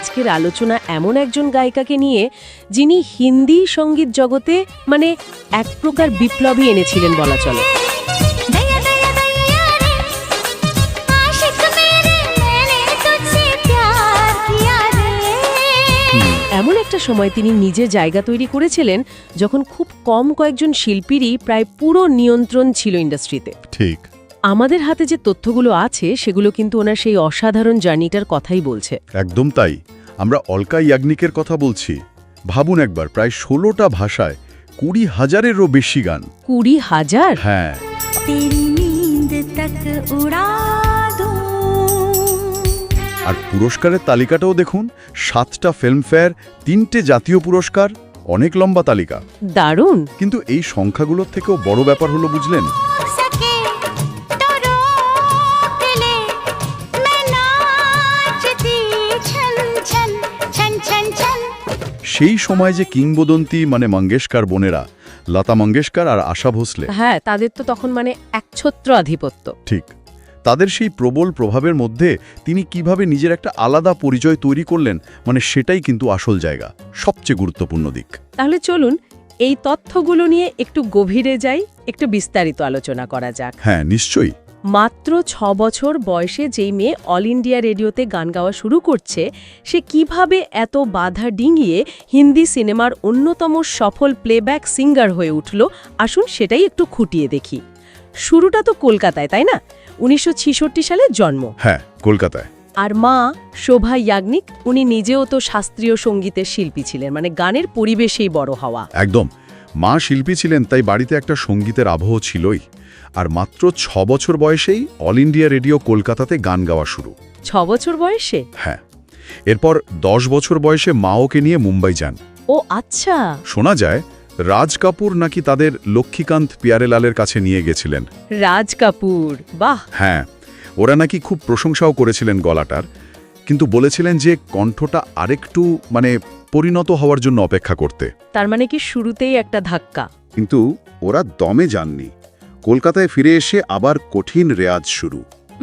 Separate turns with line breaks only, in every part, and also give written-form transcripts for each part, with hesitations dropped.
আজকের আলোচনা এমন একজন গায়িকাকে নিয়ে যিনি হিন্দি সঙ্গীত জগতে মানে এক প্রকার বিপ্লবী এনেছিলেন বলা চলে। এমন একটা সময় তিনি নিজে জায়গা তৈরি করেছিলেন যখন খুব কম কয়েকজন শিল্পীরই প্রায় পুরো নিয়ন্ত্রণ ছিল ইন্ডাস্ট্রিতে।
ঠিক।
আমাদের হাতে যে তথ্যগুলো আছে সেগুলো কিন্তু ওনার সেই অসাধারণ জার্নিটার কথাই বলছে।
একদম তাই। আমরা অলকা ইয়াগনিকের কথা বলছি। ভাবুন একবার, প্রায় ১৬টা ভাষায় ২০,০০০-এরও বেশি গান।
২০,০০০?
হ্যাঁ। আর পুরস্কারের তালিকাটাও দেখুন, 7টা ফিল্মফেয়ার, 3টে জাতীয় পুরস্কার, অনেক লম্বা তালিকা।
দারুণ।
কিন্তু এই সংখ্যাগুলোর থেকেও বড় ব্যাপার হলো বুঝলেন, সেই সময় যে কিংবদন্তি মানে মঙ্গেশকর বোনেরা, লতা মঙ্গেশকর আর আশা ভোসলে,
হ্যাঁ, তাদের তো তখন মানে একছত্র আধিপত্য।
ঠিক। তাদের সেই প্রবল প্রভাবের মধ্যে তিনি কিভাবে নিজের একটা আলাদা পরিচয় তৈরি করলেন, মানে সেটাই কিন্তু আসল জায়গা, সবচেয়ে গুরুত্বপূর্ণ দিক।
তাহলে চলুন এই তথ্যগুলো নিয়ে একটু গভীরে যাই, একটু বিস্তারিত আলোচনা করা যাক।
হ্যাঁ, নিশ্চয়ই।
মাত্র ৬ বছর বয়সে যেই মেয়ে অল ইন্ডিয়া রেডিওতে গান গাওয়া শুরু করছে, সে কিভাবে এত বাধা ডিঙিয়ে হিন্দি সিনেমার অন্যতম সফল প্লেব্যাক সিঙ্গার হয়ে উঠল, আসুন সেটাই একটু খুঁটিয়ে দেখি। শুরুটা তো কলকাতায়, তাই না? ১৯৬৬ সালে জন্ম।
হ্যাঁ, কলকাতায়।
আর মা শোভা ইয়াগনিক, উনি নিজেও তো শাস্ত্রীয় সঙ্গীতের শিল্পী ছিলেন, মানে গানের পরিবেশেই বড় হওয়া।
একদম। মা শিল্পী ছিলেন, তাই বাড়িতে একটা সঙ্গীতের আবহ ছিলই। আর মাত্র ৬ বছর বয়সেই অল ইন্ডিয়া রেডিও কলকাতাতে গান গাওয়া শুরু।
৬ বছর বয়সে?
হ্যাঁ। এরপর ১০ বছর বয়সে মা ওকে নিয়ে মুম্বাই যান।
ও আচ্ছা।
শোনা যায় রাজ কাপুর নাকি তাদের লক্ষ্মীকান্ত পিয়ারেলালের কাছে নিয়ে গেছিলেন।
রাজ কাপুর, বাহ।
হ্যাঁ, ওরা নাকি খুব প্রশংসাও করেছিলেন গলাটার, কিন্তু বলেছিলেন যে কণ্ঠটা আরেকটু মানে পরিণত হওয়ার জন্য অপেক্ষা করতে।
তার মানে কি শুরুতেই একটা ধাক্কা?
কিন্তু ওরা দমে যাননি। কলকাতায় ফিরে এসে আবার কঠিন রেয়াজ শুরু।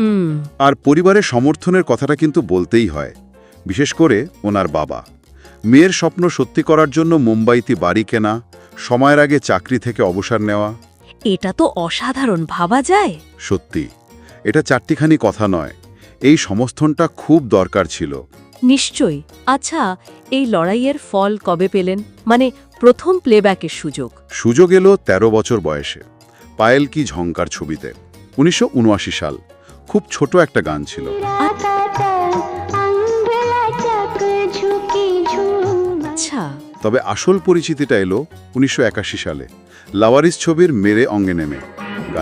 আর পরিবারের সমর্থনের কথাটা কিন্তু বলতেই হয়, বিশেষ করে ওনার বাবা। মেয়ের স্বপ্ন সত্যি করার জন্য মুম্বাইতে বাড়ি কেনা, সময়ের আগে চাকরি থেকে অবসর নেওয়া।
এটা তো অসাধারণ, ভাবা যায়।
সত্যি, এটা চারটিখানি কথা নয়, এই সমর্থনটা খুব দরকার ছিল।
নিশ্চয়ই। আচ্ছা, এই লড়াইয়ের ফল কবে পেলেন, মানে প্রথম প্লেব্যাকের সুযোগ?
সুযোগ এলো ১৩ বছর বয়সে, পায়েল কি ঝংকার ছবিতে, ১৯৭৯ সাল। খুব ছোট একটা গান ছিল।
আচ্ছা।
তবে আসল পরিচিতিটা এলো ১৯৮১ সালে, লাওয়ারিস ছবির মেরে অঙ্গে নেমে গান।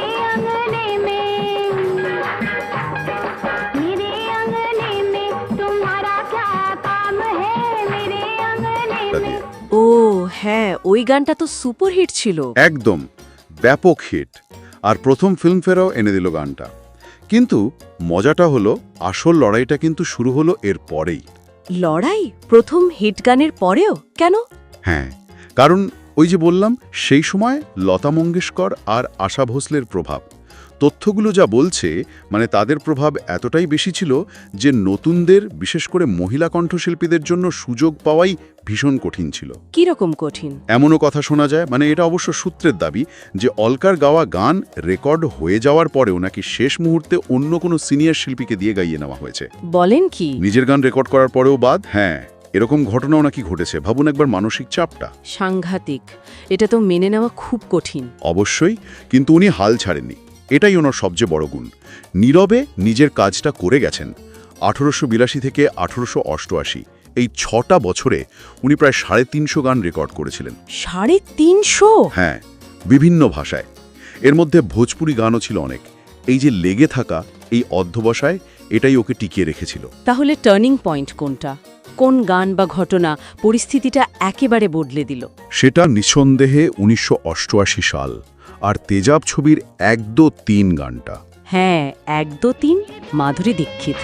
ও হ্যাঁ, ওই গানটা তো সুপারহিট ছিল।
একদম ব্যাপক হিট, আর প্রথম ফিল্মফেয়ারও এনে দিল গানটা। কিন্তু মজাটা হলো, আসল লড়াইটা কিন্তু শুরু হলো এর পরেই।
লড়াই প্রথম হিট গানের পরেও? কেন?
হ্যাঁ, কারণ ওই যে বললাম, সেই সময় লতা মঙ্গেশকর আর আশা ভোসলের প্রভাব। তথ্যগুলো যা বলছে, মানে তাদের প্রভাব এতটাই বেশি ছিল যে নতুনদের, বিশেষ করে মহিলা কণ্ঠশিল্পীদের জন্য সুযোগ পাওয়াই ভীষণ কঠিন ছিল।
কিরকম কঠিন?
এমনও কথা শোনা যায়, মানে এটা অবশ্য সূত্রের দাবি, যে অলকার গাওয়া গান রেকর্ড হয়ে যাওয়ার পরেও নাকি শেষ মুহূর্তে অন্য কোনো সিনিয়র শিল্পীকে দিয়ে গাইয়ে নেওয়া হয়েছে।
বলেন কি?
নিজের গান রেকর্ড করার পরেও বাদ। হ্যাঁ, এরকম ঘটনাও নাকি ঘটেছে। ভাবুন একবার মানসিক চাপটা।
সাংঘাতিক। এটা তো মেনে নেওয়া খুব কঠিন।
অবশ্যই, কিন্তু উনি হাল ছাড়েননি। এটাই ওনার সবচেয়ে বড় গুণ। নীরবে নিজের কাজটা করে গেছেন। ১৮৮২ থেকে ১৮৮৮, এই ৬টা বছরে উনি প্রায় ৩৫০ গান রেকর্ড করেছিলেন।
৩৫০?
হ্যাঁ, বিভিন্ন ভাষায়। এর মধ্যে ভোজপুরি গানও ছিল অনেক। এই যে লেগে থাকা, এই অধ্যবসায়, এটাই ওকে টিকিয়ে রেখেছিল।
তাহলে টার্নিং পয়েন্ট কোনটা? কোন গান বা ঘটনা পরিস্থিতিটা একেবারে বদলে দিল?
সেটা নিঃসন্দেহে ১৯৮৮ সাল আর তেজাব ছবির ১ ২ ৩ গানটা।
হ্যাঁ, ১ ২ ৩, মাধুরী দীক্ষিত।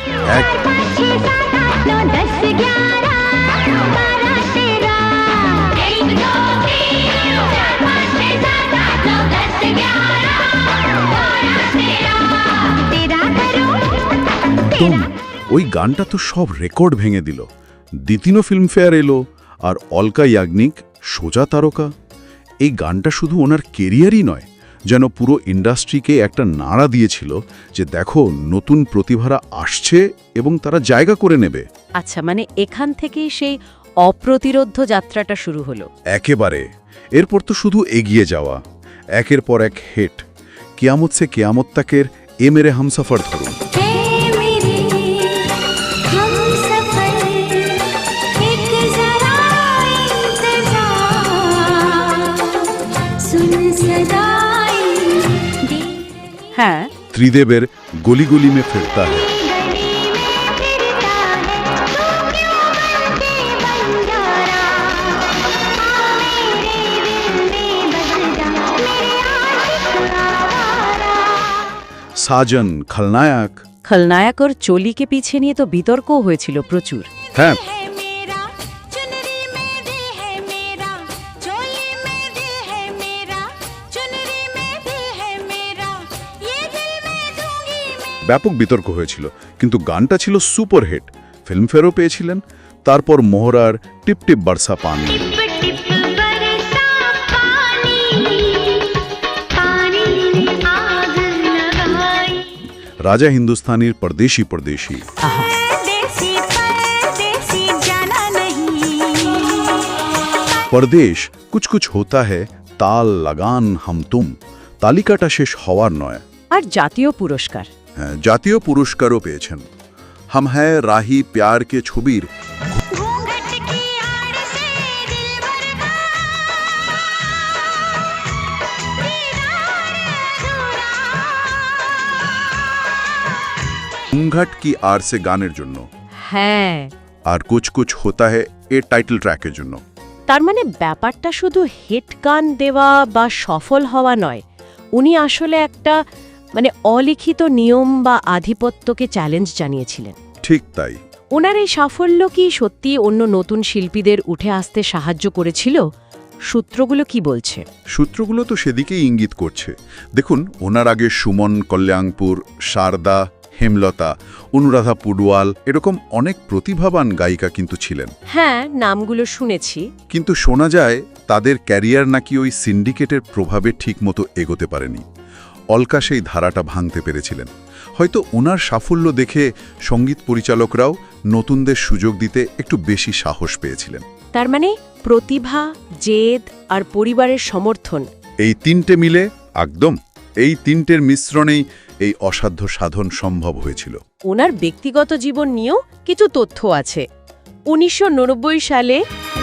ওই গানটা তো সব রেকর্ড ভেঙে দিল।
দ্বিতীয় ফিল্মফেয়ার এলো, আর অলকা ইয়াগনিক সোজা তারকা। এই গানটা শুধু ওনার কেরিয়ারই নয়, যেন পুরো ইন্ডাস্ট্রিকে একটা নাড়া দিয়েছিল যে দেখো নতুন প্রতিভারা আসছে এবং তারা জায়গা করে নেবে।
আচ্ছা, মানে এখান থেকেই সেই অপ্রতিরোধ্য যাত্রাটা শুরু হলো।
একেবারে। এরপর তো শুধু এগিয়ে যাওয়া, একের পর এক হিট। কিয়ামত সে কিয়ামত তাকের এ মেরে হামসফর ধরুন,
হ্যাঁ,
ত্রিদেবের গলি গলি মে ফিরতা হ্যায়। সাজন, খলনায়ক।
খলনায়ক ওর চলিকে পিছে নিয়ে তো বিতর্কও হয়েছিল প্রচুর।
হ্যাঁ, ব্যাপক বিতর্ক হয়েছিল, কিন্তু গানটা ছিল সুপারহিট। ফিল্মফেয়ারও পেয়েছিলেন। তারপর মোহরার টিপ টিপ বর্ষা পানি, রাজা হিন্দুস্তানির পরদেশি পরদেশি, পরদেশ, কুছ কুছ হোতা হ্যায়, তাল লাগান হাম তুম। তালিকাটা শেষ হওয়ার নয়।
আর জাতীয় পুরস্কার।
হ্যাঁ, জাতীয় পুরস্কারও পেয়েছেন। হাম হ্যায় রাহি প্যার কে ছবির ঘুমঘাট কি আর সে গানের জন্য,
হ্যাঁ,
আর কুছ কুছ হোতা হ্যায় এর টাইটেল ট্র্যাকের জন্য।
তার মানে ব্যাপারটা শুধু হিট গান দেওয়া বা সফল হওয়া নয়, উনি আসলে একটা অলিখিত নিয়ম বা আধিপত্যকে চ্যালেঞ্জ জানিয়েছিলেন।
ঠিক তাই।
ওনার এই সাফল্য কি সত্যি অন্য নতুন শিল্পীদের উঠে আসতে সাহায্য করেছিল? সূত্রগুলো কি বলছে?
সূত্রগুলো তো সেদিকেই ইঙ্গিত করছে। দেখুন, ওনার আগে সুমন, কল্যাণপুর, শারদা, হেমলতা, অনুরাধা পুডওয়াল এরকম অনেক প্রতিভাবান গায়িকা কিন্তু ছিলেন।
হ্যাঁ, নামগুলো শুনেছি।
কিন্তু শোনা যায় তাদের ক্যারিয়ার নাকি ওই সিন্ডিকেটের প্রভাবে ঠিকমতো এগোতে পারেনি। অলকা সেই ধারাটা ভাঙতে পেরেছিলেন। হয়তো ওনার সাফল্য দেখে সঙ্গীত পরিচালকরাও নতুনদের সুযোগ দিতে একটু বেশি সাহস পেয়েছিলেন।
তার মানে প্রতিভা, জেদ আর পরিবারের সমর্থন,
এই তিনটে মিলে একদম এই তিনটের মিশ্রণেই এই অসাধ্য সাধন সম্ভব হয়েছিল।
ওনার ব্যক্তিগত জীবন নিয়েও কিছু তথ্য আছে। 1990 সালে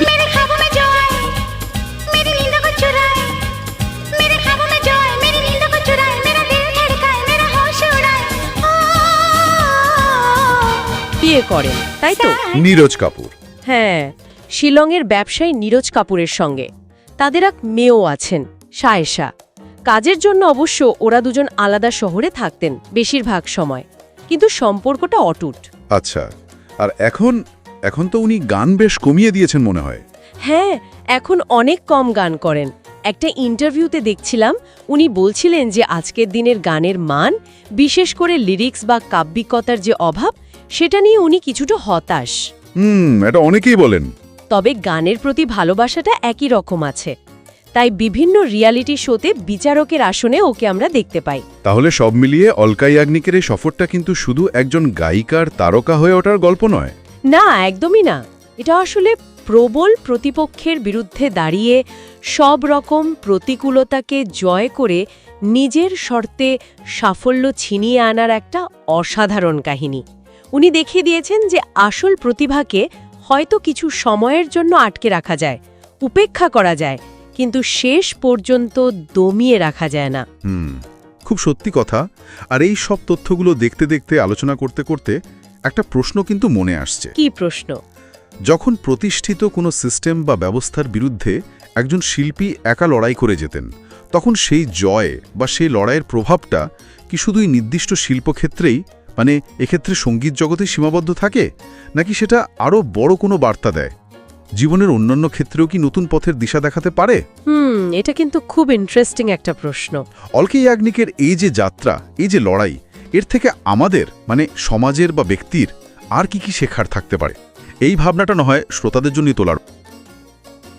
বিয়ে করেন, তাই তো?
নীরজ কাপুর।
হ্যাঁ, শিলংয়ের ব্যবসায়ী নীরজ কাপুরের সঙ্গে। তাদের এক মেয়েও আছেন, সায়েশা। কাজের জন্য অবশ্য ওরা দুজন আলাদা শহরে থাকতেন বেশিরভাগ সময়, কিন্তু সম্পর্কটা অটুট।
আচ্ছা, আর এখন তো উনি গান বেশ কমিয়ে দিয়েছেন মনে হয়।
হ্যাঁ, এখন অনেক কম গান করেন। একটা ইন্টারভিউতে দেখছিলাম, উনি বলছিলেন যে আজকের দিনের গানের মান, বিশেষ করে লিরিক্স বা কাব্যিকতার যে অভাব, সেটা নিয়ে উনি কিছুটা হতাশ।
এটা অনেকেই বলেন।
তবে গানের প্রতি ভালোবাসাটা একই রকম আছে। তাই বিভিন্ন রিয়ালিটি শোতে বিচারকের আসনে ওকে আমরা দেখতে পাই।
তাহলে সব মিলিয়ে অলকা ইয়াগনিকের এই সফরটা কিন্তু শুধু একজন গায়িকার তারকা হয়ে ওঠার গল্প নয়।
না, একদমই না। এটা আসলে প্রবল প্রতিপক্ষের বিরুদ্ধে দাঁড়িয়ে সব রকম প্রতিকূলতাকে জয় করে নিজের শর্তে সাফল্য ছিনিয়ে আনার একটা অসাধারণ কাহিনী। উনি দেখিয়ে দিয়েছেন যে আসল প্রতিভাকে হয়তো কিছু সময়ের জন্য আটকে রাখা যায়, উপেক্ষা করা যায়, কিন্তু শেষ পর্যন্ত দমিয়ে রাখা যায় না।
খুব সত্যি কথা। আর এই সব তথ্যগুলো দেখতে দেখতে, আলোচনা করতে করতে একটা প্রশ্ন কিন্তু মনে আসছে।
কি প্রশ্ন?
যখন প্রতিষ্ঠিত কোনো সিস্টেম বা ব্যবস্থার বিরুদ্ধে একজন শিল্পী একা লড়াই করে যেতেন, তখন সেই জয় বা সেই লড়াইয়ের প্রভাবটা কি শুধুই নির্দিষ্ট শিল্পক্ষেত্রেই, এক্ষেত্রে সঙ্গীত জগতে সীমাবদ্ধ থাকে, নাকি সেটা আরও বড় কোনো বার্তা দেয়? জীবনের অন্যান্য ক্ষেত্রেও কি নতুন পথের দিশা দেখাতে পারে?
এটা কিন্তু খুব ইন্টারেস্টিং একটা প্রশ্ন।
অলকা ইয়াগনিকের এই যে যাত্রা, এই যে লড়াই, এর থেকে আমাদের সমাজের বা ব্যক্তির আর কি কি শেখার থাকতে পারে? এই ভাবনাটা না হয় শ্রোতাদের জন্যই তোলার।